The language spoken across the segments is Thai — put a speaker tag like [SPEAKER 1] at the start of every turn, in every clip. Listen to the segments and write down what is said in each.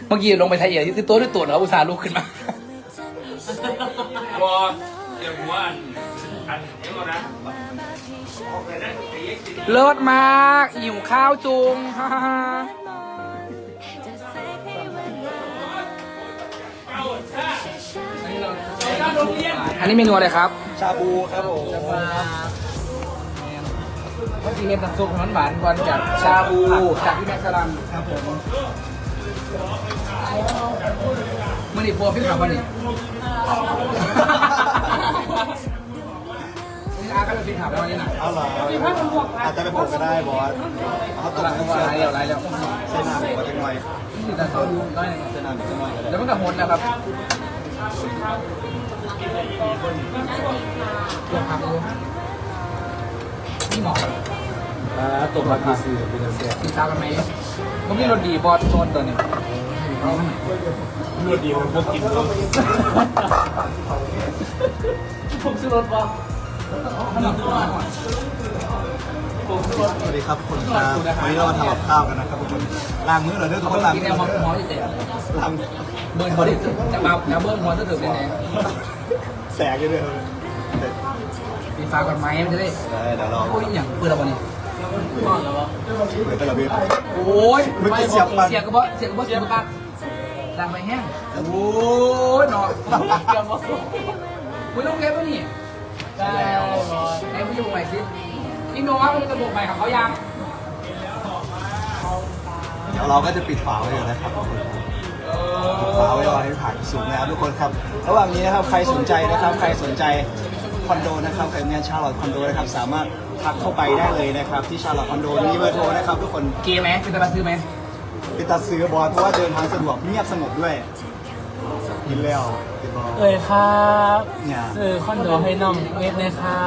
[SPEAKER 1] เมื่อกี้ลงไปไทยเอียที่ตัวด้วยตัวแล้วอุตส่าห์ลุกขึ้นมา
[SPEAKER 2] วอเดี๋ยวหัวอันเดี๋ยวก่อนนะออกไปนะไอ้เอ็กซ์
[SPEAKER 1] เลิศมากหิวข้าวจุง ฮ่าฮ่าฮ่า
[SPEAKER 2] เอาซ่า
[SPEAKER 1] อันนี้เมนูอะไรครับ
[SPEAKER 3] ชาบูครับผม
[SPEAKER 1] เมื่อกี้เห็นน้ำซุปน้ำหวานก่อนจากชาบูจากพี่แม็กซ์สลัม
[SPEAKER 3] ครับผม
[SPEAKER 1] เมื่อนี้พัวพี่ขับวันนี้นี่อาก็เป็นพี่ขับแล้ววันนี้นะ
[SPEAKER 3] เอาเหรออาจจะเป็นผมก็ได้บอสเขาต
[SPEAKER 1] ต
[SPEAKER 3] ก
[SPEAKER 1] ลาด
[SPEAKER 3] น้ำ
[SPEAKER 1] ก็
[SPEAKER 3] เชื่อ
[SPEAKER 1] ไรแล้วไรแล้ว
[SPEAKER 3] เส้นหนาหมูก็จะหน่อย
[SPEAKER 1] นี่แต่เขาดูได้
[SPEAKER 3] เส้นหนาหมูจะหน่อยก็ได้
[SPEAKER 1] แล้วมันกับหดนะครับลองทำดูนี่หมอ
[SPEAKER 3] ตกมากี่สื่อเป็นเสีย
[SPEAKER 1] ติดตามกันไหมผมมีรถดีบอสโซนตัวนี้
[SPEAKER 2] รวดดีมันพวกกินเขา
[SPEAKER 1] ผมซื้อรถบอส
[SPEAKER 3] สวัสดีครับทุกคนครับวันนี้เรามาทำกับข้าวกันนะครับทุกคนล้างมือเหรอเด้อทุกคนล้าง
[SPEAKER 1] กิน
[SPEAKER 3] มื
[SPEAKER 1] แน
[SPEAKER 3] อ
[SPEAKER 1] วหมอที่เจ็บ
[SPEAKER 3] ล้าง
[SPEAKER 1] เบิร์นเขาดิจะมาแล้วเบิร์นหัวจะถึงแน่
[SPEAKER 3] แสกเลย
[SPEAKER 1] ๆปีฟ้าก่อนไหมมันจะได้
[SPEAKER 3] เดี๋ยวเรา
[SPEAKER 1] โอ้ยอย่างปืนเราวันนี้
[SPEAKER 3] เปิดตะลเบีย
[SPEAKER 1] โอ้ย
[SPEAKER 3] มันจะเสียบปัน
[SPEAKER 1] เสียกระบอกเสียกระบอกเสียกระบอกดังไปแห้งโอ้ยหนอนไม่ต้องเก็บวะนี่ได้ไอ้ผู้ชมใหม่สิพี่โน้ตมันกระบอกใหม่ของเขายัง
[SPEAKER 3] เดี๋ยวเราก็จะปิดฝาไว้เลยนะครับทุกคนปิดฝาไว้รอให้ผ่านสูงนะครับทุกคนครับระหว่างนี้นะครับใครสนใจนะครับใครสนใจคอนโดนะครับใครมีชาร์ลอตคอนโดนะครับสามารถทักเข้าไปได้เลยนะครับที่ชาร์ลอตคอนโดมีเบอร์โทรนะครับทุกคน
[SPEAKER 1] เกมไหมเป็นตะบันซื้อไหม
[SPEAKER 3] เป็นตัดซื้อบอลเพราะว่าเดินทางสะดวกเงียบสงบด้วยกินแล้วติดบอล
[SPEAKER 4] เอ่ยครับ
[SPEAKER 3] เนี่ย
[SPEAKER 4] ซื้อคอนโดให้น้องเวฟเลยครับ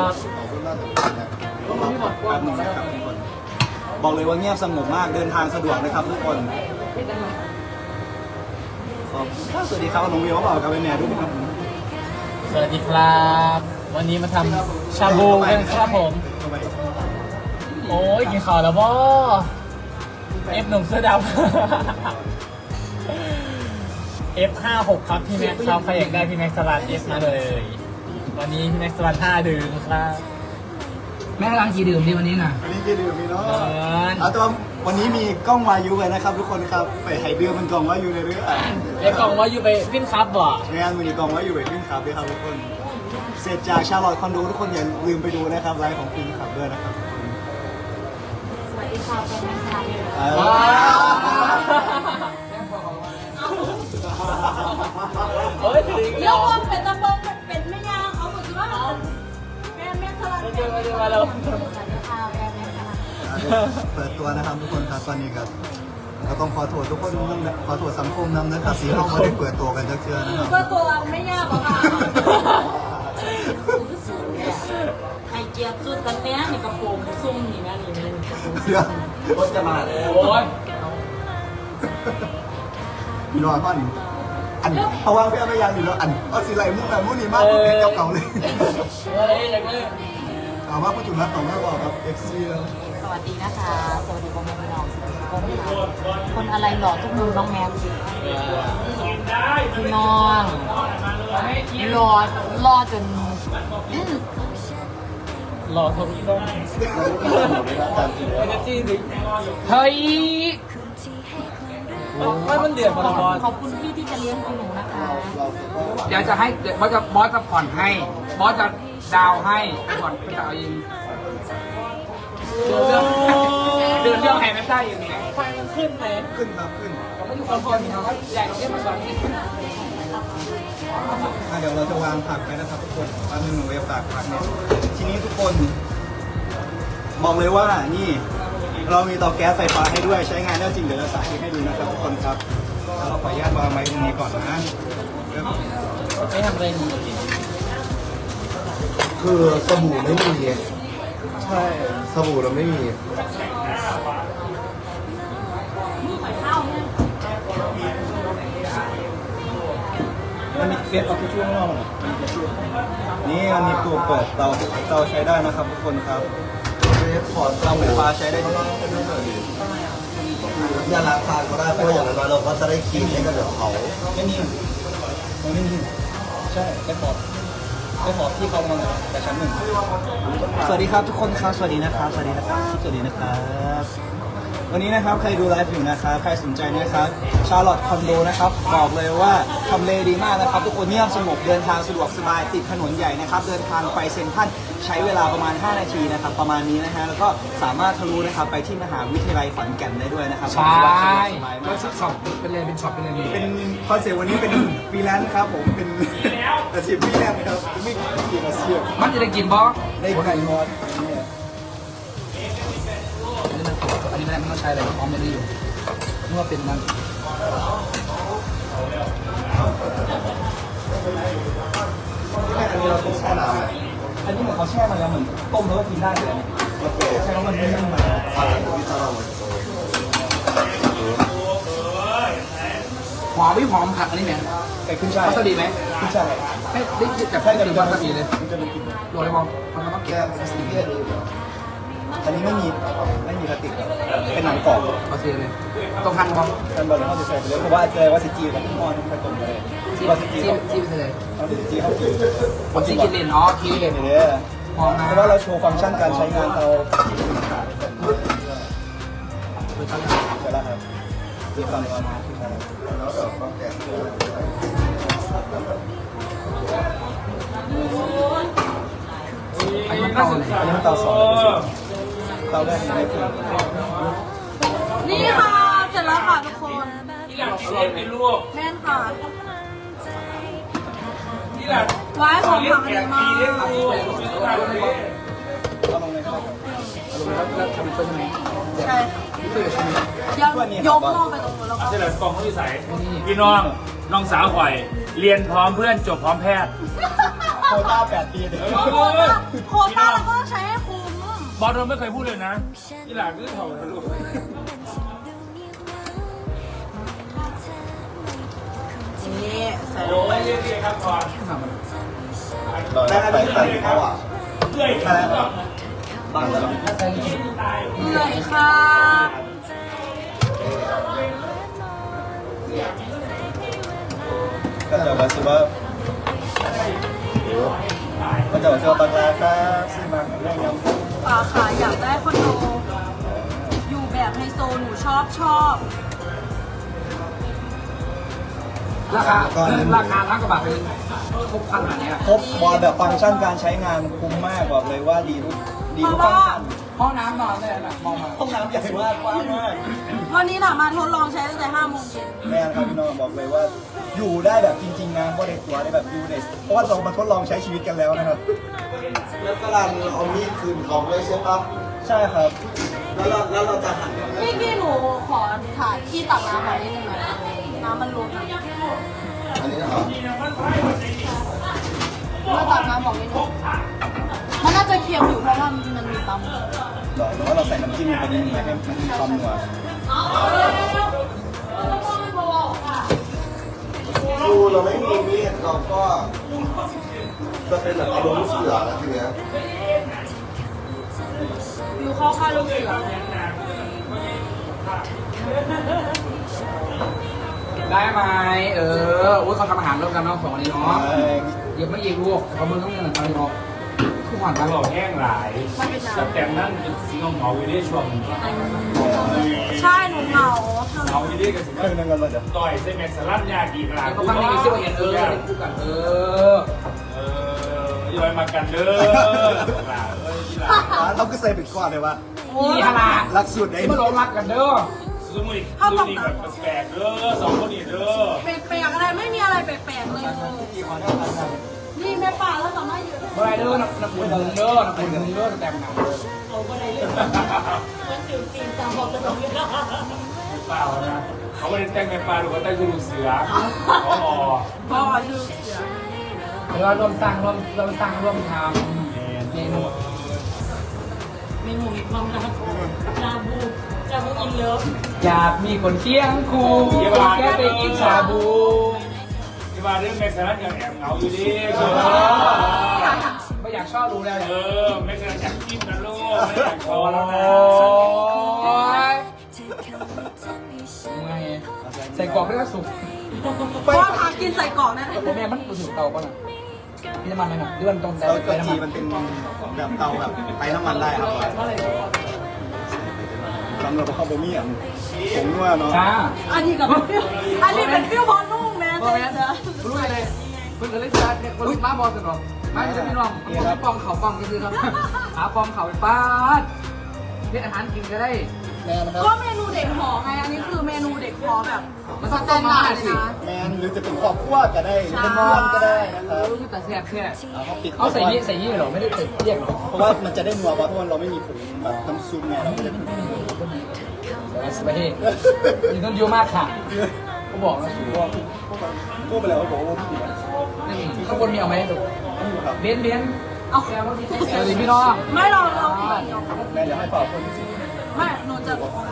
[SPEAKER 3] แป๊บนึงนะครับทุกคนบอกเลยว่าเงียบสงบมากเดินทางสะดวกนะครับทุกคนสวัสดีครับน้องวิวเขาบอกกับเป็นแม่ทุกคนครับ
[SPEAKER 4] สวัสดีครับ วันนี้มาทำชาบูกันครับผม โอ้ยกินข้าวแล้วบ่เอฟหนุ่มเสื้อดำ F56 ครับพี่แม็กซ์ครับใครอยากได้พี่แม็กซ์สลัด F มาเลย วันนี้พี่แม็กซ์สลัด5ดื่มครับ
[SPEAKER 1] แม่กำลังกี่ดื่มดีวันนี้น่ะ
[SPEAKER 3] วันนี้กินดื่มมีเนาะเอาแต่ว่าวันนี้มีกล้องวายุเลยนะครับทุกคนครับไปไฮเดือมันกล้องวายุในเรื่อง
[SPEAKER 4] ไอ้กล่องว่าอยู่ไปฟินครับบ่
[SPEAKER 3] งานวันนี้กล้องวายุไปฟินขับด้วยครับทุกคนเสร็จจากชาร์ลอตคอนโดทุกคนอย่าลืมไปดูนะครับไลฟ์ของฟินขับด้วยนะครับ
[SPEAKER 5] สวัสดีค่ะเป็นแม่ค้าเลย
[SPEAKER 4] โอ้ยถึง
[SPEAKER 5] เดี๋ยวว่าเป็นตะบงเป็นแม่ยาเขาบอกว่าแม่แม่สลัด
[SPEAKER 4] มาแล้ว
[SPEAKER 5] สวัสดีค่ะแม่แม่สลัด
[SPEAKER 3] เปิดตัวนะครับทุกคนครับตอนนี้ก็ต้องขอโทษทุกคนนะขอโทษสังคมนำนะครับสีห้องไม่ได้เปิดตัวกันจักเชื่อนะครับ
[SPEAKER 5] ก็ตัวไม่ยากหรอกค่ะไข่เจียวสุดกันเนี้ยนี่กระโปรงซุ่มนี่นะนี่
[SPEAKER 3] เรื่องรถจะมา
[SPEAKER 4] โอ้ย
[SPEAKER 3] มีรอยพ่อหนึ่งอันเพราะว่าพี่ไม่ยังอยู่แล้วอันเอาสีไหลมุกแบบมุกนี่มากกว่าเพลงเก่าๆเลย
[SPEAKER 4] อะไรอย่างเงี้ย
[SPEAKER 3] เอาว่าผู้จุดนัดต่อมาบอกครับ FC แล้ว
[SPEAKER 5] สวัสดีนะคะ สวัสดีพ่อแม่พี่น้องสวัสดีพ่อแม่พี่น้องคนอะไรหล่อทุกมุมน้องแมวพี่น้องรอจน
[SPEAKER 4] หล่อทวีลงเอเนจีดิ
[SPEAKER 1] เฮ้ย
[SPEAKER 4] มันเดือดพอละบอล
[SPEAKER 5] ขอบคุณพี่ที่จะเลี้ยงหนูนะคะ
[SPEAKER 1] เดี๋ยวจะให้บอสจะผ่อนให้บอสจะดาวให้ผ่อนไปดาวเองเดินเรื่องแห่ไม่ได้ยังไง
[SPEAKER 4] ไฟมันขึ้นไหม
[SPEAKER 3] ขึ้นครับขึ้น
[SPEAKER 1] ก็ไม่อยู่คนเดียวนี่เขาใหญ่เราเรียกมาก่อนนี่
[SPEAKER 3] เดี๋ยวเราจะวางผักไปนะครับทุกคนตอนนึงหนูเวฟตากผักเนี่ยทีนี้ทุกคนบอกเลยว่านี่เรามีเตาแก๊สไฟฟ้าให้ด้วยใช้งานได้จริงเดี๋ยวจะสาธิตให้ดูนะครับทุกคนครับแล้วเราขออนุญาตวางไว้ตรงนี้ก่อนนะ
[SPEAKER 4] ไม่ทำอะไรดี
[SPEAKER 6] คือสบู่ไม่มีไง
[SPEAKER 3] ใช่
[SPEAKER 6] สบู่เราไม่มี
[SPEAKER 3] มันมีเฟซเอาช่วงนอกนี่มันมีตัวเปิดเตาใช้ได้นะครับทุกคนครับ
[SPEAKER 6] เฟซขอ
[SPEAKER 3] เตาไฟฟ้าใช้ได้จริงอย่าล้างทานก็ได้เพราะอย่างน้อยเราก็จะได้คลีนให้กับเขา
[SPEAKER 4] ไม่มีไม่มีใช่ได้ขอบที่เขามาแต่ชั้นหนึ่ง
[SPEAKER 3] สวัสดีครับทุกคนครับสวัสดีนะครับสวัสดีนะครับสวัสดีนะครับวันนี้นะครับใครดูไลฟ์อยู่นะครับใครสนใจนะครับชาร์ลอตคอนโดนะครับบอกเลยว่าทำเลดีมากนะครับทุกคนเงียบสงบเดินทางสะดวกสบายติดถนนใหญ่นะครับเดินทางไปเซ็นทรัลใช้เวลาประมาณ5นาทีนะครับประมาณนี้นะฮะแล้วก็สามารถทะลุนะครับไปที่มหาวิทยาลัยขอนแก่นได้ด้วยนะครับ
[SPEAKER 1] ใช่
[SPEAKER 3] สบาย
[SPEAKER 1] ก็
[SPEAKER 3] มาก
[SPEAKER 1] ชุดช็อปเป็นเลยเป็นช็อปเป็นเลย
[SPEAKER 3] เป็นคอนเซ็ปต์วันนี้เป็นฟรีแลนซ์ครับผมเป็นอาชีพฟรีแลนซ์ครับไม่กี่อาชีพ
[SPEAKER 1] มันจะได้กินบอส
[SPEAKER 3] ได้ไก่นอนเนี่ย
[SPEAKER 1] อันนี้ไม่ต้องใช้เลยออมไม่ได้อยู่เมื่อเป็นมัน
[SPEAKER 3] อันนี้เราต้องแช่น้ำอันนี้เหมือนเขาแช่มาแล้วเหมือนต้มแล้วก็กินได้เลยใช่แล้วมันนิ่มมา
[SPEAKER 1] หอมไม่หอมผักอันนี้ไหม
[SPEAKER 3] ไก่ขึ้นช่าย
[SPEAKER 1] วัสดีไหม
[SPEAKER 3] ขึ้นช่าย
[SPEAKER 1] ไม่ได้แบบ
[SPEAKER 3] ใช่
[SPEAKER 1] แค่
[SPEAKER 3] กับ
[SPEAKER 1] ดี
[SPEAKER 3] วั
[SPEAKER 1] วั
[SPEAKER 3] ส
[SPEAKER 1] ส
[SPEAKER 3] ดี
[SPEAKER 1] ดีเลย
[SPEAKER 3] มันจะมีกลิ่น
[SPEAKER 1] โรยมองมันต้อง
[SPEAKER 3] แก้วสติกเกอร์อันนี้ไม่มีพลาสติกเป็นหนังกรอบ
[SPEAKER 1] โอเคเลยต้องหั่นมอง
[SPEAKER 3] กันบอลเขาจะใส่ไปเลยเพราะว่าแสดงว่าซิจีกับมอนผสมกันเลย
[SPEAKER 1] ที่
[SPEAKER 3] ว่าซิจี
[SPEAKER 1] ที่ไปเลย
[SPEAKER 3] เขาซิจีเขากิน
[SPEAKER 1] ผมที่กินเลนอ๋อคิว
[SPEAKER 3] เห็นเลย
[SPEAKER 1] หอมนะ
[SPEAKER 3] เพราะว่าเราโชว์ฟังก์ชันการใช้งานเราใช่แล้วครับมีความร้อนแล้วเราก็แกะ
[SPEAKER 1] อันนี้มันเก่าเลย
[SPEAKER 3] อันนี้มันเตาสองเตาแรกไม่ถึง
[SPEAKER 5] นี่ค่ะ เสร็จแล้วค่ะทุกคน
[SPEAKER 2] ที่หลังเล่นเป็นลูก
[SPEAKER 5] แม่นค่ะ
[SPEAKER 2] ที่หลัง
[SPEAKER 5] ไว้ของผักดีมาก
[SPEAKER 2] เล่นลูก
[SPEAKER 3] เอาลงเลยครับ
[SPEAKER 1] แล้วทำเป็นยังไง
[SPEAKER 5] ใช่ยังยกหม้อไปตรงนู้นแล้วก็
[SPEAKER 2] เฉลิมกองเขาวิสัยพี่น้องน้องสาวข่อย เรียนพร้อมเพื่อนจบพร้อมแพทย์
[SPEAKER 3] โคต้า8 ปีเดี๋ยว
[SPEAKER 5] โควต้าเราก็ต้องใช้ให้คุ้ม
[SPEAKER 2] บอลเราไม่เคยพูดเลยนะที่หลังคือเถ่าลูก
[SPEAKER 5] นี่ใส่ล
[SPEAKER 2] โอ้
[SPEAKER 5] งไป
[SPEAKER 2] ยเรียกครับก่อน
[SPEAKER 3] ได้ไปใส่เขาอ่ะ
[SPEAKER 2] เพื่อยครับ
[SPEAKER 3] บางตลอด
[SPEAKER 5] เหนื่อยค่ะ
[SPEAKER 3] ก็จะมาซื้อว่าก็จะมาซื้อบังลาครับซื้อมาเรื่องยำ
[SPEAKER 5] ป่าค่ะอยากได้คอนโด อยู่แบบไฮโซหนูชอบ
[SPEAKER 1] ราคาทั้งกระบะเป็นครบพันแบบนี้
[SPEAKER 3] ครบบอลแบบฟังก์ชันการใช้งานคุ้มมากบอกเลยว่าดีทุก
[SPEAKER 5] เพราะ
[SPEAKER 3] ฟัง
[SPEAKER 5] ว่า
[SPEAKER 3] ก์ชัน
[SPEAKER 1] ห้องน้ำนอนเลยนะมองมา
[SPEAKER 3] ห้องน้ำใหญ่มากกว้างมาก
[SPEAKER 5] วันนี้น่ะมาทดลองใช้ตั้งแต่5 โมงเย็น
[SPEAKER 3] แม่ครับพี่น้องบอกเลยว่า อยู่ได้แบบจริงๆนะว่าในตัวได้แบบอยู่ในเพราะว่าเรามาทดลองใช้ชีวิตกันแล้วนะครับแล้วกำลังเอามีดคืนเขาด้วยใช่ปะใช่ครับแล้วเราจะหัน
[SPEAKER 5] พี่หนูขอถ่ายที่ตักน้ำหน่อยนิดนึงนะน้ำมันล้น
[SPEAKER 3] อันนี้นะครับ
[SPEAKER 5] มาตักน้ำบอกนิดนึงมันน่าจะเค็มอยู่เพราะว่ามันมีตำ
[SPEAKER 3] หรอหรือว่าเราใส่น้ำจิ้มลงไปนิดนึงไหมให้มันมีความนัวดูเราไม่มีมีดเราก็จะเป็นแบบอารมณ์เสือนะทีเนี้ย
[SPEAKER 5] อยู่เข้าค่ายลูกเสือ
[SPEAKER 1] ได้ไหมโอ้ยเขาทำอาหารร่วมกันน้องสองคนนี้เนาะเดี๋ยวไม่ยิงลูกแต่เขามือต้องเงินอะไรเนาะคือผ่าน
[SPEAKER 2] ต
[SPEAKER 1] มา
[SPEAKER 2] ลอดแห้งหลายแต่นั่นเป็นสีเงาอยู่ในช่วง
[SPEAKER 5] ใช่หนูเหงา
[SPEAKER 2] เงาอยู่ในกันสิ
[SPEAKER 3] เครื่องนึงกันเลยเดี๋ยว
[SPEAKER 2] ต่อยเส้นแม็กซ์ลัดยากีกลา
[SPEAKER 1] เขาทำในที่เราเห็นเป็นคู่กัน
[SPEAKER 2] ย่อยมากันเด้อหลาเอ้ยที่หลา
[SPEAKER 3] เราก็ใส่ปิดก่อนเลยวะ
[SPEAKER 1] มีฮารา
[SPEAKER 3] รักสุดไอ้
[SPEAKER 1] ที่มาหลงรักกันเด้อ
[SPEAKER 2] ซูมุยแบบแปลกเด้อสองคนนี้เด้อ
[SPEAKER 5] แปลกๆอะไรไม่มีอะไรแปลกๆเลย นี่แม่ป่าแล้วสามารถอยู่
[SPEAKER 1] เมื่อไรเด้อนักบุญเด้อนักบุญเด้อแต่งงาน
[SPEAKER 2] เปล่านะเขาไม่ได้แต่งเป็นปลาหรือว่าแต่งคือลูกเสืออ๋อ
[SPEAKER 5] พ่ออยู่เสือ
[SPEAKER 1] เราร่วมสร้างร่วมทำเมนู
[SPEAKER 5] มีหมูมีความรักจาบูอินเลิฟ
[SPEAKER 1] อยากมีคนเคียงคู่แค่ไปกินชาบู
[SPEAKER 2] ที่มาเรื่องแม็กซ์ลัดยังแอบเหงาอยู่ดิ
[SPEAKER 1] ไม่อยากชอบรู้แล้ว
[SPEAKER 2] แม็กซ์ลัดอยากกินนะลูกไม่อยากพอแล้วนะ
[SPEAKER 1] โอ้ยใส่กรอกด้วยก็สุก
[SPEAKER 5] เพราะว่าทางกินใส่กล่องนั่น
[SPEAKER 1] โอ้แม่มันรู้สึกเตาป่ะน่ะมีน้ำมันไหมครับหรือมันตรงแต่
[SPEAKER 3] เตา
[SPEAKER 1] ไป
[SPEAKER 3] เกา
[SPEAKER 1] น้ำ
[SPEAKER 3] จี
[SPEAKER 1] มัน
[SPEAKER 3] มันเป็นแบบเตาแบบไปน้ำมันได้ครับสำหรับข้าวบะหมี่อ่ะผมว่าเนาะ
[SPEAKER 1] จ้า
[SPEAKER 5] อันนี้กับฟิวอันนี้เป็นฟิวบอลนุ่มแม่
[SPEAKER 1] พ่อแม่รู้เลยเพิ่งเลยจ้าเนี่ยคนมาบอลสนองมาจะไม่ลองมันปองเขาปองก็คือครับหาปองเขาไปป้าดเพื่ออาหารกินก็ได้
[SPEAKER 4] แม่นะครับ
[SPEAKER 5] ก็เมนูเด็กหอไงอันนี้คือเมนูเด็กหอแบบ
[SPEAKER 1] มัน
[SPEAKER 5] ส
[SPEAKER 1] ต้อง
[SPEAKER 5] แต
[SPEAKER 1] ต้ม
[SPEAKER 5] น
[SPEAKER 1] มา
[SPEAKER 5] ดาร์ด
[SPEAKER 1] สิ
[SPEAKER 5] เลยนะ
[SPEAKER 3] แมนหรือจะเป็นครอบครัวก็ได้เป็นเพื่อนก็ได้นะครับ
[SPEAKER 1] แต่แซ่บแค่
[SPEAKER 3] เขาปิด
[SPEAKER 1] เขาใส่ยี่หรอไม่ได้ใส่เรียกหรอ
[SPEAKER 3] เพราะว่ามันจะได้นัวเพราะว่าเราไม่มีผงแบบน้ำซุปไงเราไม่ได้ผง
[SPEAKER 1] สบายมีต้นเยอะมากค่ะเขาบอกนะสูงว่า
[SPEAKER 3] พูดไปแล้วเขาบอกว่าผิด
[SPEAKER 1] นี่ข้างบนมีเอาไหมดูเบนเบน
[SPEAKER 5] เอา
[SPEAKER 1] สวัสดีพี่น้อง
[SPEAKER 5] ไม่เรา
[SPEAKER 3] แม่เดี๋ยวให้ฝากคนที่ซื้อ
[SPEAKER 5] ไม่หนูจะ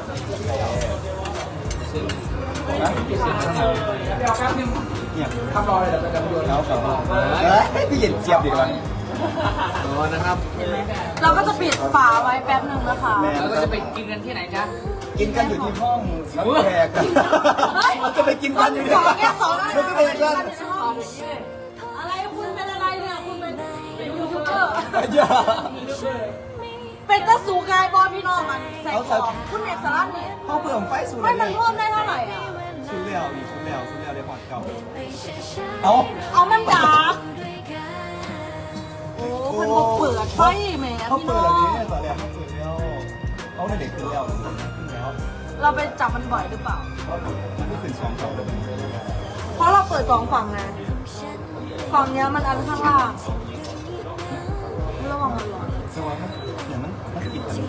[SPEAKER 1] นะพี่สิเดี๋ยวแป๊บนึง
[SPEAKER 3] เนี่ย
[SPEAKER 1] ทำรอเลยเดี๋ยวจะโยน
[SPEAKER 3] แล้วครับพี่เย็นเจี๊ยบดีกว่า
[SPEAKER 1] นะครับ
[SPEAKER 5] เราก็จะปิดฝาไว้แป๊บหนึ่งนะคะ
[SPEAKER 1] เราก็จะไปกินกันที่ไหนจ๊ะ
[SPEAKER 3] กินกันอยู่ที่ห้องรับแขกกันเราจะไปกินกันอยู่
[SPEAKER 5] สองแค่สอง
[SPEAKER 3] ไม่ได้ไปกัน
[SPEAKER 5] อะไรคุณเป็นอะไรเนี่ยคุณเป็นยูทูบเบอร์
[SPEAKER 3] อย่า
[SPEAKER 5] เป็นตะสูกายบอพี่น้องมันใส่ของคุณเอกสารนี่
[SPEAKER 3] เขาเพิ่มไฟสูง
[SPEAKER 5] ไม่มันเพิ่มได้เท่าไหร่อ่ะ
[SPEAKER 3] ชุดเลี้ยวนี่ชุดเลี้ยวได้พอดเก่าเอา
[SPEAKER 5] เอามันดาบโอ้คนบอกเปิดไฟแหม
[SPEAKER 3] เขา
[SPEAKER 5] พี่
[SPEAKER 3] เปิ
[SPEAKER 5] น้
[SPEAKER 3] ด
[SPEAKER 5] อ
[SPEAKER 3] อัน
[SPEAKER 5] ง
[SPEAKER 3] นี้ตอนแรกเขาเปิดแล้วเขาเด็กขึ้นแล้วขึ้นแล้ว
[SPEAKER 5] เราไปจับมันบ่อยหรือเปล่า
[SPEAKER 3] มันไม่ขึ้น2 2เลย
[SPEAKER 5] เพราะเราเปิดสองฝั่งไงฝั่งเนี้ยมันอันข้างล่างระวังมันร้อน
[SPEAKER 3] แต่ว่าเนี่ยมันติดกัน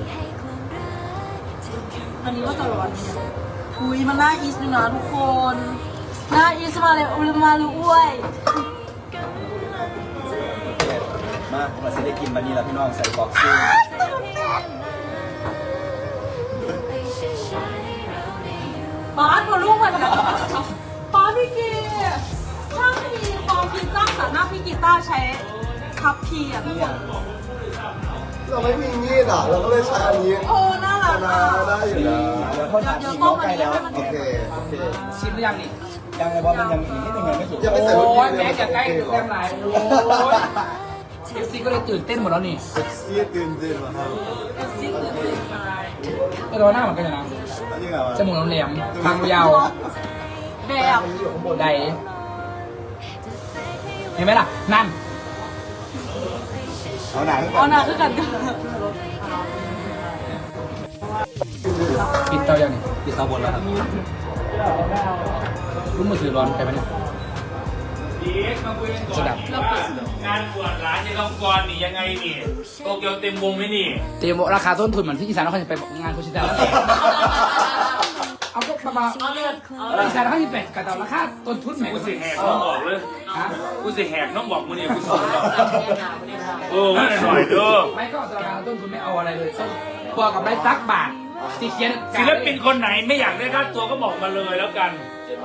[SPEAKER 5] อันนี้ก็จะร้อนเนี่ยคุยมันน่าอีสอยู่นะทุกคนน่าอีสมาเลยอุลมาลูอ้วย
[SPEAKER 3] มาจะได้กินวันนี้แล้วพี่น้องใส่บอกซื้อ
[SPEAKER 5] ป้าตัวลูกมันป้าพี่กีถ้ามีความคิดสร้างสรรค์หน้าพี่กีต้าใช้ทับพีอ่ะ
[SPEAKER 3] เนี่ย
[SPEAKER 6] เราไม่มีมีดอ่ะ เราก็เลยใช้อันนี้
[SPEAKER 5] โอ้น่ารัก
[SPEAKER 6] นา
[SPEAKER 5] อ่ะ
[SPEAKER 6] ได้อยู่นะ
[SPEAKER 3] เดี๋ยวเขาทานอีกเขาใกล้แล้ว
[SPEAKER 6] โอเค โอเค
[SPEAKER 1] ชิมหรือยังนี่
[SPEAKER 3] ยังไงว่ามันยังอีกนิดนึงยังไม่สุก
[SPEAKER 6] ยังไม่
[SPEAKER 1] โอ้
[SPEAKER 6] ใส่รสดี
[SPEAKER 1] ย
[SPEAKER 6] เลย
[SPEAKER 1] แม่จะใกล้เต็มหลายโอ้ยเอฟซีก็เลยตื่นเต้นหมดแล้วนี่
[SPEAKER 6] ซีตื่นเต้นมาครับ
[SPEAKER 1] ก็ตัวหน้าเหมือนกันนะ
[SPEAKER 3] อันนี้ไงวะ
[SPEAKER 1] จมูกแหลมทางยาว
[SPEAKER 5] แบบ
[SPEAKER 1] ใดเห็นไหมล่ะ นั่น
[SPEAKER 3] เอาหนัง
[SPEAKER 5] เอาหน้าคือกัน
[SPEAKER 1] ปิดเตาอย่างนี้
[SPEAKER 3] ปิดเตาบนแล้วครับ
[SPEAKER 1] รู้มือถือร้อนไปไหมเนี่ย
[SPEAKER 2] สดับงานบวชหลานยังต้องกรนี่ยังไงนี่โตเกียวเต็มวงไหมนี่
[SPEAKER 1] เตรียมราคาต้นทุนเหมือนที่อีสานเขาจะไปงานโคชิตะแล้วเอาก็ประมาณอีสานเขาจะไปกระเต่าราคาต้นทุนแหม่
[SPEAKER 2] กูสิแหกน้องบอกเลย
[SPEAKER 1] ฮะ
[SPEAKER 2] กูสิแหกน้องบอกมึงเนี่ยกูสอนโอ้ไม่หน่อยเด้อ
[SPEAKER 1] ไม่ก็ราคาต้นทุนไม่เอาอะไรเลยพอกับได้สักบาทสีเขียน
[SPEAKER 2] ศิลปินคนไหนไม่อยากได้ค่าตัวก็บอกมาเลยแล้วกัน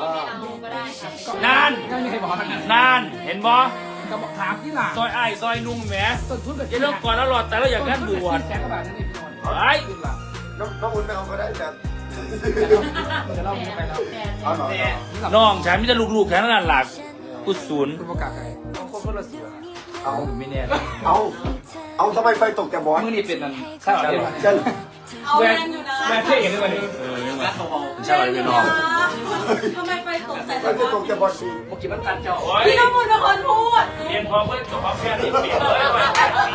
[SPEAKER 2] นั่น
[SPEAKER 1] ไม่มีใครบอกทั้งนั้น
[SPEAKER 2] นั่นเห็นบ่
[SPEAKER 1] ก็บอกถามที่หลัง
[SPEAKER 2] ซอยอ้ายซอยนุ่งแหม
[SPEAKER 1] ต้นทุนแบบ
[SPEAKER 2] จะเลิกก่อนแล้วหลอดแต่เราอยากงานบวช
[SPEAKER 1] แสนกว่าบาทนั่นเองพี่นนท์
[SPEAKER 2] ไอ้
[SPEAKER 6] น้องอุ่นไม่เอาก็ได้แต่
[SPEAKER 1] จะเล่าไปแล้ว
[SPEAKER 6] เอาหน่อย
[SPEAKER 2] น้องฉันไมแต่จะลูกๆแค่นั้นหลักกูศูนย์
[SPEAKER 1] คุณประกาศไงต้องคนละเสือ
[SPEAKER 6] เอา
[SPEAKER 1] ไม่แน่
[SPEAKER 6] เอาทำไมไฟตกแต่บอส
[SPEAKER 1] มือนี่เป็นนั่นใช่ไหม
[SPEAKER 6] จะ
[SPEAKER 5] เอาแมนอยู่นะ
[SPEAKER 1] แม่เท่เองเลยวันนี้
[SPEAKER 2] ใช่ไหมพี่น้อง
[SPEAKER 5] ทำไมไฟตกใส่
[SPEAKER 6] ไฟไม่ตกแต่บอส
[SPEAKER 1] เมื่อกี้มันตันเจ้า
[SPEAKER 2] โอ้ย
[SPEAKER 5] พี่น้ำมูลเป็นคนพูด
[SPEAKER 2] เรียนพอเพื่อนจบพอแค่นี้เปลี่ยนเลยว่า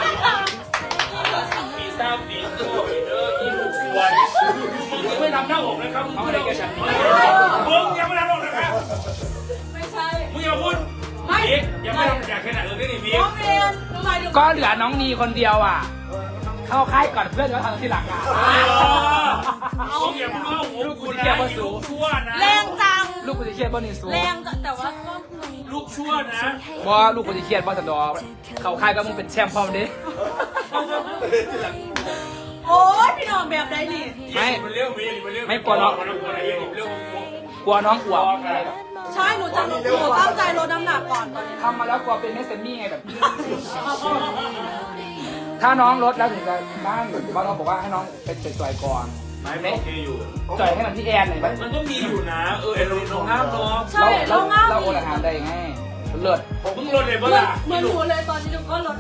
[SPEAKER 2] ปีซ่าปีโต้ปีเดอร์อีลูกวันมึงไม่ทำหน้าอกนะครับมึงไม่ได้กับฉันมึงยังไม่ทำหน้าอกนะครับ
[SPEAKER 5] ไม่ใช่
[SPEAKER 2] มึงอย่าพูดบิ๊กยังไม่ทำอยากแค่ไหนเลยนี่บิ๊ก
[SPEAKER 5] น้องเรียนทำไมถึง
[SPEAKER 1] ก็เหลือน้องนีคนเดียวอ่ะ เข้าค่ายก่อนเพื่อนจะทำที่หลังอ่ะ
[SPEAKER 2] มึงอย่าพูดว่าหัวกูนะลูกชั่วนะ
[SPEAKER 5] แรงจัง
[SPEAKER 1] ลูกกูจะเครียดบ่นี่สู
[SPEAKER 5] แรงจังแต่ว่าก็คือ
[SPEAKER 2] ลูกชั่วนะ
[SPEAKER 1] บ่ลูกกูจะเครียดบ่สันดอกเข้าค่ายก็มึงเป็นแชมป์พร้อมดิ
[SPEAKER 5] โอ้ยพี่น้องแบบใดนี่
[SPEAKER 2] มันเรื่องมีมันเรื่อง
[SPEAKER 1] ไม่กลัวน้อง
[SPEAKER 2] มันเรื่อง
[SPEAKER 1] กลัวน้องอวบ
[SPEAKER 5] ใช่หนูตั้งใจลดน้ำหนักก่อนตอนนี้
[SPEAKER 1] ทำมาแล้วกลัวเป็นเมสเซนมี่ไงแบบ ถ้าน้องลดแล้วถึงจะบ้านบ้านเราบอกว่าให้น้องเป็นจ่อยก่อน
[SPEAKER 2] ไม้ไม่โอเคอยู่
[SPEAKER 1] จ่อยให้มันที่แอนหน่อยไหม
[SPEAKER 2] มันก็มีอยู่นะไอ้ลงน้ำเนาะ
[SPEAKER 5] ใช่เราง่าย
[SPEAKER 1] เราโอนอาหารได้ไงเลิศ
[SPEAKER 2] ผมเพิ่งลดเลยเมื่อ
[SPEAKER 5] เหมือนหนูเลยตอนนี้หนูก็ลด